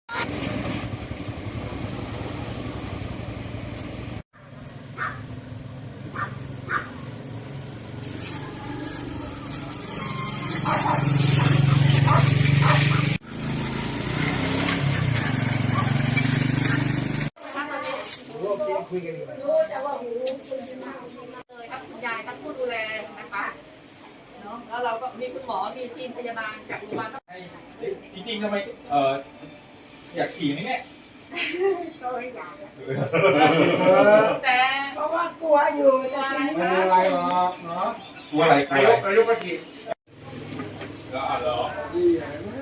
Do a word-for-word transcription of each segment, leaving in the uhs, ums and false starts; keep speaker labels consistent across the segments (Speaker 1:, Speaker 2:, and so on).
Speaker 1: คุยกันดีไหมแต่ว่าหูเลยครับคุณยายท่านผู้ดูแลนะคะเนาะแล้วเราก็มีคุณหมอมีทีมพยาบาลจากโรงพยาบาล
Speaker 2: จริงๆทำไมเอออยากฉี่ไหมเนี่ย
Speaker 1: ก็อยากแต่เพราะว่ากลัวอยู่จะอะไรไม่
Speaker 3: เป็นอะไรหรอกเนาะ
Speaker 2: กลัวอะไรกลัวอะไร
Speaker 3: นายกก็ฉีด
Speaker 2: แล้วอ่ะเหรอ
Speaker 3: ดีไหม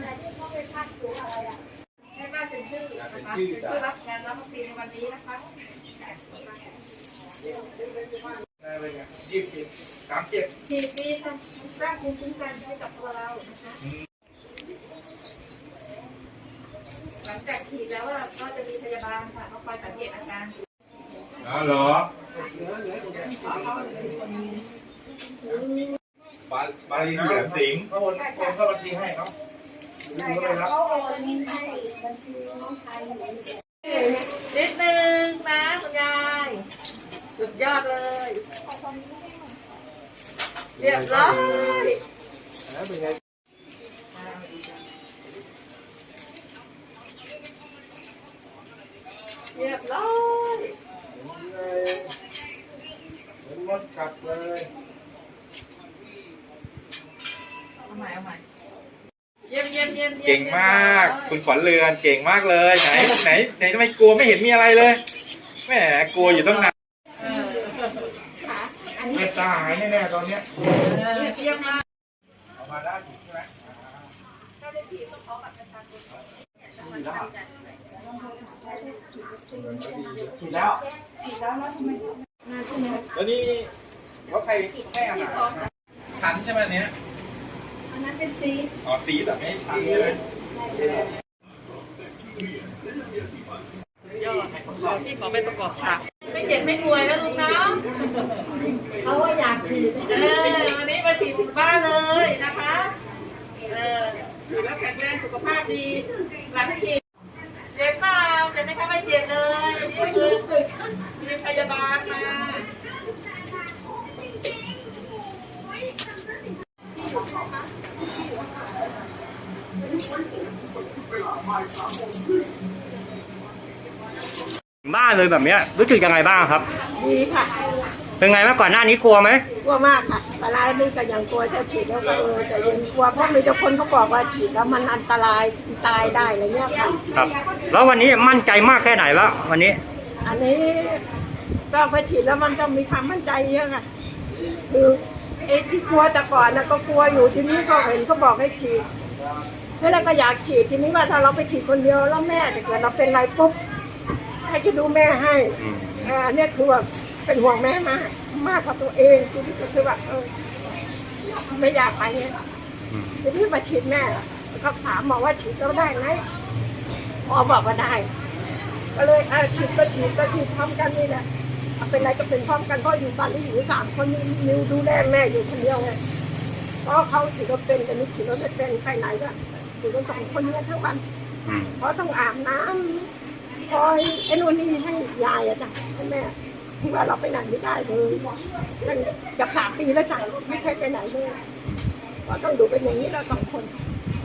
Speaker 1: ให้มาเป็นชื่อนะคะเป็นชื่อรับงานรับวัคซีนในวันนี้นะคะ
Speaker 3: ได้เลยไงยี่สิบสามเจ็ด
Speaker 1: ฉีดดีค่ะสร้างภูมิคุ้มกันให้กับตัวเรานะคะหลังจากฉีดแล้วก็จะมีพยาบาลค่ะเขาคอยสังเกตอาการ
Speaker 2: อ๋อเหรอปลาปลาลีแหลมสิงห์
Speaker 3: เขาโอนโอนเข้าบัญชีให้เนาะ
Speaker 1: ใช่ค่ะเขาโอนให้บัญชีน้องชายนิดนึงนะคุณยายสุดยอดเลยเรียบร้อย
Speaker 3: เป็นไง
Speaker 1: เรียบร้อย
Speaker 3: เหมือนมดกัดเลย
Speaker 1: เอาใหม่เอาใหม่เยี่ยมเยี่ยมเยี่ยม
Speaker 2: เก่งมากคุณขวัญเรือนเก่งมากเลยไหนไหนไหนทำไมกลัวไม่เห็นมีอะไรเลยแหมกลัวอยู่ตั้งนาน
Speaker 3: เม็ดตาหายแน่ๆตอนเนี้ย
Speaker 1: เยี่ยมมาก
Speaker 3: ออกมาได้ใช่ไหม
Speaker 1: ถ้าได้ฉีดต้องขอบัตรประชาชน
Speaker 3: ฉีดแล้ว
Speaker 1: ฉีดแล้วแล้วทำไม
Speaker 2: แล้วนี่เขาใครแค่อาหารชั้นใช่ไหมเนี้ย
Speaker 1: อันนั้นเป็นซี
Speaker 2: อ๋อซีแบบไม่ชั้นเลย
Speaker 1: ยอดขอที่ขอไปประกอบฉากไม่เจ็บไม่ป่วยแล้วลุงนะเขาว่าอยากฉีดเออวันนี้มาฉีดถึงบ้านเลยนะคะเออฉีดแล้วแข็งแรงสุขภาพดีหลังฉีดเจ็บเปล่าเจ็บไหมคะไม่เจ็บเลยนี่คือมีพยาบาลมา
Speaker 4: บ้านเลยแบบนี้รู้สึกยังไงบ้างครับ
Speaker 5: ดีค่ะ
Speaker 4: เป็นไงเมื่อก่อนหน้านี้กลัวไหม
Speaker 5: กลัวมากค่ะปลายนี่ก็ยังกลัวจะฉีดแล้วก็เออแต่ยังกลัวเพราะมีแต่คนเขาบอกว่าฉีดแล้วมันอันตรายตายได้อะไรเงี้ยค่ะ
Speaker 4: ครับแล้ววันนี้มั่นใจมากแค่ไหนแล้ววันนี้
Speaker 5: อันนี้ก็พอฉีดแล้วมันต้องมีความมั่นใจเยอะค่ะคือไอ้ที่กลัวแต่ก่อนนะก็กลัวอยู่ทีนี้ก็เห็นเขาบอกให้ฉีดแล้วก็อยากฉีดทีนี้ว่าถ้าเราไปฉีดคนเดียวแล้วแม่ถ้าเกิดเราเป็นไรปุ๊บให้จะดูแม่ให้อ่าเนี่ยคือแบบเป็นห่วงแม่มากมากกว่าตัวเองทีนี้ก็คือแบบเออไม่อยากไปเนี่ยทีนี้มาฉีดแม่ก็ถามบอกว่าฉีดแล้วได้ไหมหมอบอกว่าได้ก็เลยอ่าฉีดก็ฉีดก็ฉีดพร้อมกันนี่แหละเป็นไรก็เป็นพร้อมกันเพราะอยู่บ้านนี้อยู่สามคนนิวดูแลแม่อยู่คนเดียวไงเพราะเขาฉีดก็เป็นแต่นี่ฉีดก็ไม่เป็นใครไหนก็ฉีดกันสองคนนี้ทั้งวันเพราะต้องอาบน้ำคอยไอ้นู่นนี่ให้ยายอะจ้ะให้แม่ที่ว่าเราไปไหนไม่ได้เลยมันจะสามปีแล้วจ้ะไม่เคยไปไหนเลยก็ต้องดูเป็นอย่างนี้แล้วสองคน